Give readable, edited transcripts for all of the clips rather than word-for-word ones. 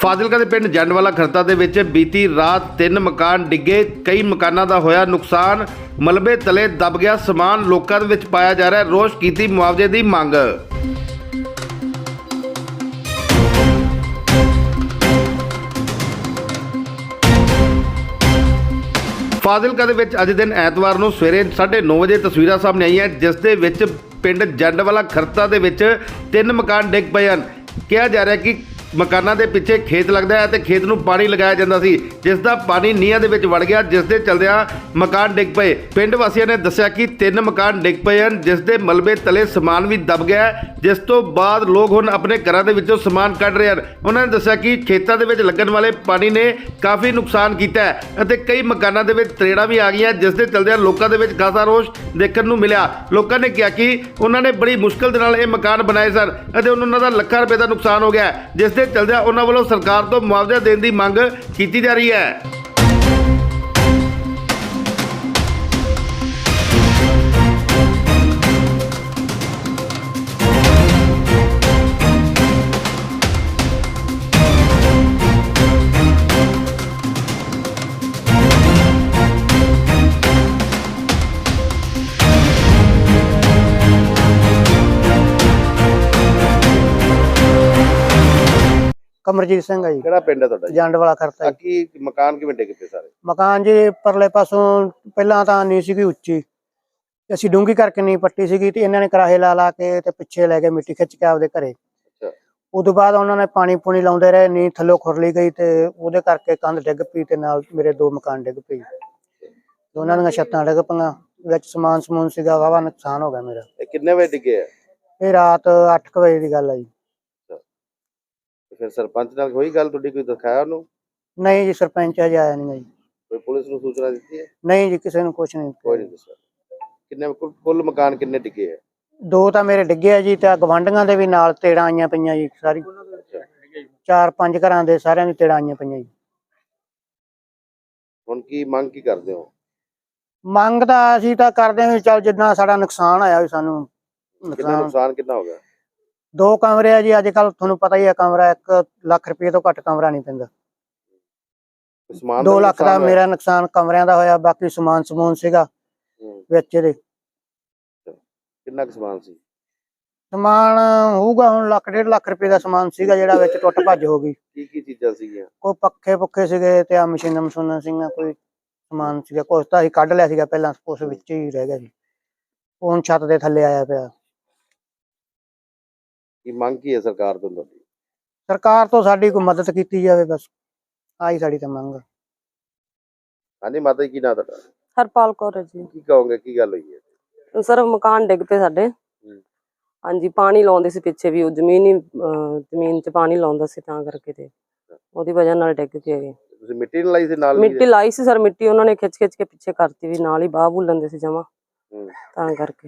ਫਾਜ਼ਿਲਕਾ ਦੇ ਪਿੰਡ ਜੰਡਵਾਲਾ ਖਰਤਾ ਦੇ ਵਿੱਚ ਬੀਤੀ ਰਾਤ 3 ਮਕਾਨ ਡਿੱਗੇ। ਕਈ ਮਕਾਨਾਂ ਦਾ ਹੋਇਆ ਨੁਕਸਾਨ। ਮਲਬੇ ਤਲੇ ਦਬ ਗਿਆ ਸਮਾਨ। ਲੋਕਾਂ ਦੇ ਵਿੱਚ ਪਾਇਆ ਜਾ ਰਿਹਾ ਰੋਸ। ਕੀਤੀ ਮੁਆਵਜ਼ੇ ਦੀ ਮੰਗ। ਫਾਜ਼ਿਲਕਾ ਦੇ ਵਿੱਚ ਅੱਜ ਦਿਨ ਐਤਵਾਰ ਨੂੰ ਸਵੇਰੇ 9:30 ਵਜੇ ਤਸਵੀਰਾਂ ਸਾਹਮਣੇ ਆਈਆਂ, ਜਿਸ ਦੇ ਵਿੱਚ ਪਿੰਡ ਜੰਡਵਾਲਾ ਖਰਤਾ ਦੇ ਵਿੱਚ 3 ਮਕਾਨ ਡਿੱਗ ਪਏ ਹਨ। ਕਿਹਾ ਜਾ ਰਿਹਾ ਕਿ ਮਕਾਨਾਂ ਦੇ ਪਿੱਛੇ ਖੇਤ ਲੱਗਦਾ ਹੈ ਤੇ ਖੇਤ ਨੂੰ ਪਾਣੀ ਲਗਾਇਆ ਜਾਂਦਾ ਸੀ, ਜਿਸ ਦਾ ਪਾਣੀ ਨੀਹਾਂ ਦੇ ਵਿੱਚ ਵੜ ਗਿਆ, ਜਿਸ ਦੇ ਚਲਦਿਆਂ ਮਕਾਨ ਡਿੱਗ ਪਏ। ਪਿੰਡ ਵਾਸੀਆਂ ਨੇ ਦੱਸਿਆ ਕਿ 3 ਮਕਾਨ ਡਿੱਗ ਪਏ ਹਨ, ਜਿਸ ਦੇ ਮਲਬੇ ਤਲੇ ਸਮਾਨ ਵੀ ਦਬ ਗਿਆ, ਜਿਸ ਤੋਂ ਬਾਅਦ ਲੋਕ ਹੁਣ ਆਪਣੇ ਘਰਾਂ ਦੇ ਵਿੱਚੋਂ ਸਮਾਨ ਕੱਢ ਰਹੇ ਹਨ। ਉਹਨਾਂ ਨੇ ਦੱਸਿਆ ਕਿ ਖੇਤਾਂ ਦੇ ਵਿੱਚ ਲੱਗਣ ਵਾਲੇ ਪਾਣੀ ਨੇ ਕਾਫੀ ਨੁਕਸਾਨ ਕੀਤਾ ਹੈ ਅਤੇ ਕਈ ਮਕਾਨਾਂ ਦੇ ਵਿੱਚ ਤਰੇੜਾਂ ਵੀ ਆ ਗਈਆਂ, ਜਿਸ ਦੇ ਚਲਦਿਆਂ ਲੋਕਾਂ ਦੇ ਵਿੱਚ ਖਾਸਾ ਰੋਸ ਦੇਖਣ ਨੂੰ ਮਿਲਿਆ। ਲੋਕਾਂ ਨੇ ਕਿਹਾ ਕਿ ਉਹਨਾਂ ਨੇ ਬੜੀ ਮੁਸ਼ਕਲ ਦੇ ਨਾਲ ਇਹ ਮਕਾਨ ਬਣਾਏ ਸਨ ਅਤੇ ਉਹਨਾਂ ਦਾ ਲੱਖਾਂ ਰੁਪਏ ਦਾ ਨੁਕਸਾਨ ਹੋ ਗਿਆ, ਜਿਸ ਦੇ ਚਲਦਿਆਂ ਉਹਨਾਂ ਵੱਲੋਂ ਸਰਕਾਰ ਤੋਂ ਮੁਆਵਜ਼ਾ ਦੇਣ ਦੀ ਮੰਗ ਕੀਤੀ ਜਾ ਰਹੀ ਹੈ। कमरजीत सिंह है जी। ਕਿਹੜਾ ਪਿੰਡ ਹੈ ਤੁਹਾਡਾ ਜੀ? जंड वाला खरता जी। ਕੀ ਮਕਾਨ ਕਿਵੇਂ ਡਿੱਗ ਪਏ ਸਾਰੇ? मकान जी परले पासों पहला तो नी सी उच्ची, असीं डूंगी करके नी पट्टी सी ते इन्हां ने कराहे ला ला के ते पिछे लै गए मिट्टी खिच के आपदे घरे। उदों बाद उन्होंने पानी पूनी लाउंदे रहे, नी थल्लों खुरली गई ते उहदे करके कंध डिग पई ते नाल मेरे 2 मकान डिग पई। दोनां दीयां छत्तां डिग पईयां, विच समान समून सीगा, वाहवा नुकसान हो गया मेरा। कितने बजे डिगे है? ये रात 8 बजे की गल है जी। फिर सरपंच नाल होई गल तुहाडी, कोई दिखाया उन्होंने? नहीं जी, सरपंच अजे आया नहीं जी। कोई पुलिस ਨੂੰ सूचना ਦਿੱਤੀ है? नहीं जी, किसी ने कुछ नहीं। ਕੋਈ ਨਹੀਂ ਦੱਸਿਆ। ਕਿੰਨੇ ਕੁੱਲ ਮਕਾਨ ਕਿੰਨੇ ਡਿੱਗੇ ਹੈ? 2 ਤਾਂ ਮੇਰੇ ਡਿੱਗੇ ਆ ਜੀ, ਤੇ ਗਵਾਂਢੀਆਂ ਦੇ ਵੀ ਨਾਲ ਤੇੜਾਂ ਆਈਆਂ ਪਈਆਂ ਜੀ। ਸਾਰੀ 4-5 ਘਰਾਂ ਦੇ ਸਾਰਿਆਂ ਦੀ ਤੇੜਾਂ ਆਈਆਂ ਪਈਆਂ ਜੀ। ਹੁਣ ਕੀ ਮੰਗ ਕੀ ਕਰਦੇ ਹੋ? ਮੰਗ ਤਾਂ ਅਸੀਂ ਤਾਂ ਕਰਦੇ ਹਾਂ ਵੀ ਚੱਲ ਜਿੰਨਾ ਸਾਡਾ ਨੁਕਸਾਨ ਆਇਆ ਵੀ ਸਾਨੂੰ ਕਿੰਨਾ ਨੁਕਸਾਨ ਕਿੰਨਾ ਹੋ ਗਿਆ? 2 ਕਮਰੇ ਆ ਜੀ। ਅੱਜ ਕੱਲ ਤੁਹਾਨੂੰ ਪਤਾ ਹੀ ਹੈ, ਕਮਰਾ 1 ਲੱਖ ਰੁਪਏ ਤੋਂ ਘੱਟ ਕਮਰਾ ਨਹੀਂ ਪੈਂਦਾ। ਸਮਾਨ 2 ਲੱਖ ਦਾ ਮੇਰਾ ਨੁਕਸਾਨ ਕਮਰਿਆਂ ਦਾ ਹੋਇਆ, ਬਾਕੀ ਸਮਾਨ ਸਮੂਨ ਸੀਗਾ ਵਿੱਚ ਇਹਦੇ। ਕਿੰਨਾ ਕੁ ਸਮਾਨ ਸੀ? ਸਮਾਨ ਹੋਊਗਾ ਹੁਣ 1.5 ਲੱਖ ਰੁਪਏ ਦਾ ਸਮਾਨ ਸੀਗਾ, ਜਿਹੜਾ ਵਿੱਚ ਟੁੱਟ ਭੱਜ ਹੋ ਗਈ। ਕੀ ਚੀਜ਼ਾਂ ਸੀਗੀਆਂ? ਕੋਈ ਪੱਖੇ ਪੁੱਖੇ ਸੀਗੇ ਤੇ ਆ ਮਸ਼ੀਨਾਂ ਸੀਗੀਆਂ, ਕੋਈ ਸਮਾਨ ਸੀਗਾ। ਕੁਛ ਤਾਂ ਅਸੀਂ ਕੱਢ ਲਿਆ ਸੀਗਾ ਪਹਿਲਾਂ, ਉਸ ਵਿੱਚ ਹੀ ਰਹਿ ਗਿਆ ਸੀ। ਹੁਣ ਛੱਤ ਦੇ ਥੱਲੇ ਆਇਆ ਪਿਆ। ਕੀ ਮੰਗ ਕੀ ਹੈ ਸਰਕਾਰ ਤੋਂ ਤੁਹਾਡੀ? ਸਰਕਾਰ ਤੋਂ ਸਾਡੀ ਕੋਈ ਮਦਦ ਕੀਤੀ ਜਾਵੇ, ਬਸ ਆਹੀ ਸਾਡੀ ਤਾਂ ਮੰਗ। ਹਾਂਜੀ ਮਾਤਾ ਜੀ, ਕੀ ਨਾਂ ਤੁਹਾਡਾ? ਹਰਪਾਲ ਕੌਰ ਜੀ। ਕੀ ਕਹੋਗੇ, ਕੀ ਗੱਲ ਹੋਈ ਹੈ? ਸਰ ਮਕਾਨ ਡਿੱਗ ਪਏ ਸਾਡੇ। ਹਾਂਜੀ, ਪਾਣੀ ਲਾਉਂਦੇ ਸੀ ਪਿੱਛੇ ਵੀ, ਉਹ ਜ਼ਮੀਨ 'ਚ ਪਾਣੀ ਲਾਉਂਦਾ ਸੀ, ਤਾਂ ਕਰਕੇ ਤੇ ਉਹਦੀ ਵਜ੍ਹਾ ਨਾਲ ਡਿੱਗ ਕੇ ਗਏ। ਤੁਸੀਂ ਮਿੱਟੀ ਨਾਲ ਲਾਈ ਸੀ ਨਾਲ? ਮਿੱਟੀ ਲਾਈ ਸੀ ਸਰ, ਮਿੱਟੀ ਉਹਨਾਂ ਨੇ ਖਿੱਚ ਕੇ ਪਿੱਛੇ ਕਰਤੀ, ਵੀ ਨਾਲ ਹੀ ਬਾਹ ਬੁੱਲਣ ਦੇ ਸੀ ਜਮਾ, ਤਾਂ ਕਰਕੇ।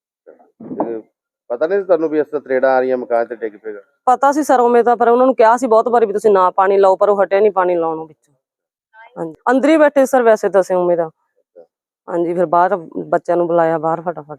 ਪਤਾ ਨਹੀਂ ਤੁਹਾਨੂੰ ਵੀ ਇਸ ਤਰ੍ਹਾਂ ਤਰੇੜਾਂ ਆ ਰਹੀਆਂ ਮਕਾਨ ਤੇ ਡਿੱਗ ਪਏਗਾ? ਪਤਾ ਸੀ ਸਰ ਉਵੇਂ ਤਾਂ, ਪਰ ਉਹਨਾਂ ਨੂੰ ਕਿਹਾ ਸੀ ਬਹੁਤ ਵਾਰੀ ਵੀ ਤੁਸੀਂ ਨਾ ਪਾਣੀ ਲਾਓ, ਪਰ ਉਹ ਹਟਿਆ ਨਹੀਂ ਪਾਣੀ ਲਾਉਣੋਂ ਵਿੱਚੋਂ। ਹਾਂਜੀ, ਅੰਦਰ ਹੀ ਬੈਠੇ ਸਰ ਵੈਸੇ ਤਾਂ ਅਸੀਂ ਉਵੇਂ ਤਾਂ। ਹਾਂਜੀ, ਫਿਰ ਬਾਹਰ ਬੱਚਿਆਂ ਨੂੰ ਬੁਲਾਇਆ ਬਾਹਰ ਫਟਾਫਟ।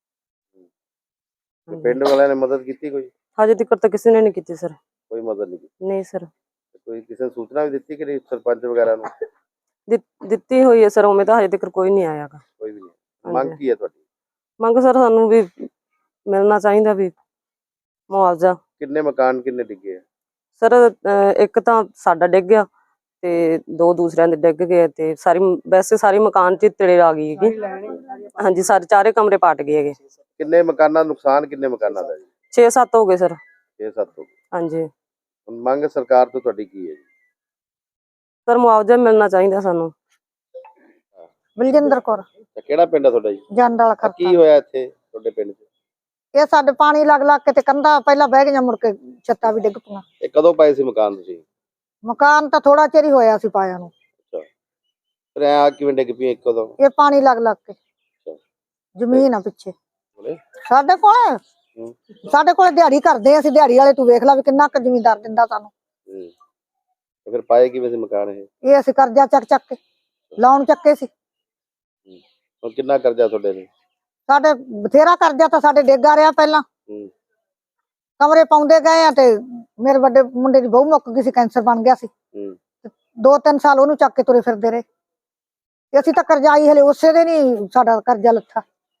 ਪਿੰਡ ਵਾਲਿਆਂ ਨੇ ਮਦਦ ਕੀਤੀ ਕੋਈ? ਹਜੇ ਤੱਕ ਤਾਂ ਕਿਸੇ ਨੇ ਨਹੀਂ ਕੀਤੀ ਸਰ। ਕੋਈ ਮਦਦ ਨਹੀਂ ਕੀਤੀ? ਨਹੀਂ ਸਰ। ਕੋਈ ਕਿਸੇ ਨੇ ਸੂਚਨਾ ਵੀ ਦਿੱਤੀ ਕਿ ਨਹੀਂ ਸਰਪੰਚ ਵਗੈਰਾ ਨੂੰ? ਦਿੱਤੀ ਹੋਈ ਹੈ ਸਰ, ਉਵੇਂ ਤਾਂ ਹਜੇ ਤੱਕ ਕੋਈ ਨਹੀਂ ਆਇਆ ਗਾ। ਕੋਈ ਵੀ ਨਹੀਂ। ਮੰਗ ਕੀ ਹੈ ਤੁਹਾਡੀ? ਮੰਗ ਸਰ ਸਾਨੂੰ ਵੀ ਮਿਲਣਾ ਚਾਹੀਦਾ ਵੀ ਮੁਆਵਜ਼ਾ। ਕਿੰਨੇ ਮਕਾਨ ਕਿੰਨੇ ਡਿੱਗੇ ਆ ਸਰ? ਇੱਕ ਤਾਂ ਸਾਡਾ ਡਿੱਗ ਗਿਆ ਤੇ 2 ਦੂਸਰਿਆਂ ਦੇ ਡਿੱਗ ਗਏ, ਤੇ ਵੈਸੇ ਸਾਰੀ ਮਕਾਨ 'ਚ ਤੇੜੇ ਆ ਗਈ ਹੈਗੀ। ਹਾਂਜੀ, ਸਾਰੇ 4 ਕਮਰੇ ਪਾਟ ਗਏ ਹੈਗੇ। ਕਿੰਨੇ ਮਕਾਨਾਂ ਨੁਕਸਾਨ? ਕਿੰਨੇ ਮਕਾਨਾਂ ਦਾ ਜੀ? 6-7 ਹੋ ਗਏ ਸਰ। 6-7 ਹੋ ਗਏ। ਹਾਂਜੀ। ਹੁਣ ਮੰਗ ਸਰਕਾਰ ਤੋਂ ਤੁਹਾਡੀ ਕੀ ਹੈ ਜੀ? ਸਰ ਮੁਆਵਜ਼ਾ ਮਿਲਣਾ ਚਾਹੀਦਾ ਸਾਨੂੰ। ਬਲਜਿੰਦਰ ਕੌਰ। ਕਿਹੜਾ ਪਿੰਡ ਹੈ ਤੁਹਾਡਾ ਜੀ? ਜੰਡ ਵਾਲਾ ਖਰਤਾ। ਕੀ ਹੋਇਆ ਇੱਥੇ ਤੁਹਾਡੇ ਪਿੰਡ 'ਚ? ਇਹ ਸਾਡੇ ਪਾਣੀ ਲੱਗ ਲੱਗ ਕੇ ਤੇ ਕੰਧਾਂ ਪਹਿਲਾਂ ਬਹਿ ਗਈਆਂ, ਮੁੜ ਕੇ ਛੱਤਾਂ ਵੀ ਡਿੱਗ ਪਈਆਂ। ਇਹ ਕਦੋਂ ਪਾਏ ਸੀ ਮਕਾਨ ਤੁਸੀਂ? ਮਕਾਨ ਤਾਂ ਥੋੜਾ ਚਿਰ ਹੀ ਹੋਇਆ ਸੀ ਪਾਇਆ ਨੂੰ। ਫਿਰ ਆ ਕਿਵੇਂ ਡਿੱਗ ਪਈ ਇੱਕੋ ਦਮ? ਇਹ ਪਾਣੀ ਲੱਗ ਲੱਗ ਕੇ। ਜ਼ਮੀਨ ਆ ਪਿੱਛੇ ਸਾਡੇ ਕੋਲ ਦਿਹਾੜੀ ਕਰਦੇ ਅਸੀਂ, ਦਿਹਾੜੀ ਵਾਲੇ ਤੂੰ ਵੇਖ ਲੈ ਵੀ ਕਿੰਨਾ ਕੁ ਜ਼ਮੀਨਦਾਰ ਦਿੰਦਾ ਸਾਨੂੰ। ਫਿਰ ਪਾਏ ਕਿਵੇਂ ਸੀ ਮਕਾਨ ਇਹ ਅਸੀਂ ਕਰਜ਼ਾ ਚੱਕ ਕੇ ਲਾਉਣ ਚੱਕੇ ਸੀ। ਹੁਣ ਕਿੰਨਾ ਕਰਜ਼ਾ ਤੁਹਾਡੇ ਨੇ? ਸਾਡੇ ਬਥੇਰਾ ਕਰਜ਼ਾ ਤਾਂ ਸਾਡੇ ਡੇਗਾ ਰਿਹਾ ਪਹਿਲਾਂ। ਕਮਰੇ ਪਾਉਂਦੇ ਗਏ ਆ ਤੇ ਮੇਰੇ ਵੱਡੇ ਮੁੰਡੇ ਦੀ ਬਹੂ ਮੁੱਕ ਗਈ ਸੀ, ਕੈਂਸਰ ਬਣ ਗਿਆ ਸੀ। 2-3 ਸਾਲ ਉਹਨੂੰ ਚੱਕ ਕੇ ਤੁਰੇ ਫਿਰਦੇ ਰਹੇ ਤੇ ਅਸੀਂ ਤਾਂ ਕਰਜ਼ਾਈ ਹਲੇ ਉਸੇ ਦੇ ਨਹੀਂ ਸਾਡਾ ਕਰਜ਼ਾ ਲੱਥਾ।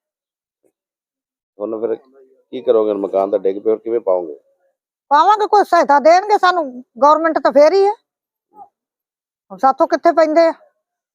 ਹੁਣ ਫਿਰ ਕੀ ਕਰੋਗੇ? ਮਕਾਨ ਤਾਂ ਡਿੱਗ ਪਿਆ, ਕਿਵੇਂ ਪਾਓਗੇ? ਪਾਵਾਂਗੇ, ਕੋਈ ਸਹਾਇਤਾ ਦੇਣਗੇ ਸਾਨੂੰ ਗਵਰਨਮੈਂਟ ਤਾਂ ਫੇਰ ਹੀ ਹੈ, ਸਾਥੋਂ ਕਿੱਥੇ ਪੈਂਦੇ ਆ।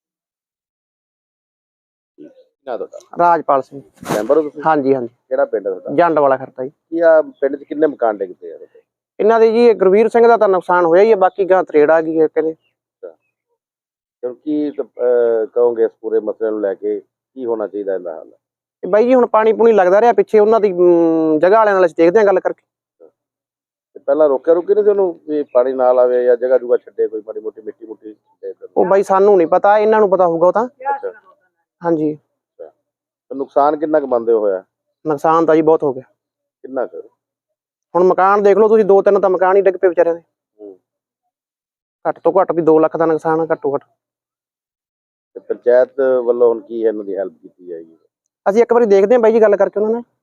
ਨਾ ਤੁਹਾਡਾ ਰਾਜਪਾਲ ਸਿੰਘ ਮੈਂਬਰ ਹੋ ਤੁਸੀਂ? ਹਾਂਜੀ ਹਾਂਜੀ ਕਿਹੜਾ ਪਿੰਡ ਹੈ ਤੁਹਾਡਾ? ਜੰਡ ਵਾਲਾ ਖਰਤਾ ਜੀ। ਕੀ ਆ ਪਿੰਡ 'ਚ ਕਿੰਨੇ ਮਕਾਨ ਡਿੱਗ ਪਏ ਆ? ਇਹਨਾਂ ਦੇ ਜੀ ਇਹ ਗੁਰਵੀਰ ਸਿੰਘ ਦਾ ਤਾਂ ਨੁਕਸਾਨ ਹੋਇਆ ਹੀ ਹੈ, ਬਾਕੀ ਗਾਂ ਤਰੇੜ ਆ ਗਈ ਹੈ ਕਹਿੰਦੇ। ਕਿਉਂਕਿ ਕਹੋਗੇ ਇਸ ਪੂਰੇ ਮਸਲੇ ਨੂੰ ਲੈ ਕੇ ਕੀ ਹੋਣਾ ਚਾਹੀਦਾ ਇਹਦਾ ਹੱਲ? ਤੇ ਬਾਈ ਜੀ ਹੁਣ ਪਾਣੀ ਪੂਣੀ ਲੱਗਦਾ ਰਿਹਾ ਪਿੱਛੇ, ਉਹਨਾਂ ਦੀ ਜਗ੍ਹਾ ਵਾਲਿਆਂ ਨਾਲ ਅਸੀਂ ਦੇਖਦੇ ਹਾਂ ਗੱਲ ਕਰਕੇ। ਤੇ ਪਹਿਲਾਂ ਰੋਕਿਆ ਨਹੀਂ ਸੀ ਉਹਨੂੰ ਵੀ ਪਾਣੀ ਨਾਲ ਆਵੇ ਜਾਂ ਜਗ੍ਹਾ ਜੁਗਾ ਛੱਡੇ, ਕੋਈ ਮਾੜੀ ਮੋਟੀ ਮਿੱਟੀ ਮੁੱਟੀ ਛੱਡੇ? ਉਹ ਬਾਈ ਸਾਨੂੰ ਨਹੀਂ ਪਤਾ, ਇਹਨਾਂ ਨੂੰ ਪਤਾ ਹੋਊਗਾ ਉਹ ਤਾਂ। ਅੱਛਾ, ਹਾਂਜੀ। ਤੇ ਨੁਕਸਾਨ ਕਿੰਨਾ ਕੁ ਮੰਨਦੇ ਹੋਇਆ? ਨੁਕਸਾਨ ਤਾਂ ਜੀ ਬਹੁਤ ਹੋ ਗਿਆ। ਕਿੰਨਾ ਕੁ? ਹੁਣ ਮਕਾਨ ਦੇਖ ਲਓ ਤੁਸੀਂ, 2-3 ਤਾਂ ਮਕਾਨ ਹੀ ਡਿੱਗ ਪਏ ਵਿਚਾਰਿਆਂ ਦੇ। ਘੱਟ ਤੋਂ ਘੱਟ ਵੀ 2 ਲੱਖ ਦਾ ਨੁਕਸਾਨ ਘੱਟੋ ਘੱਟ। ਤੇ ਪੰਚਾਇਤ ਵੱਲੋਂ ਹੁਣ ਕੀ ਇਹਨਾਂ ਦੀ ਹੈਲਪ ਕੀਤੀ ਜਾਏਗੀ? ਅਸੀਂ ਇੱਕ ਵਾਰੀ ਦੇਖਦੇ ਹਾਂ ਬਾਈ ਜੀ ਗੱਲ ਕਰਕੇ ਉਹਨਾਂ ਨਾਲ।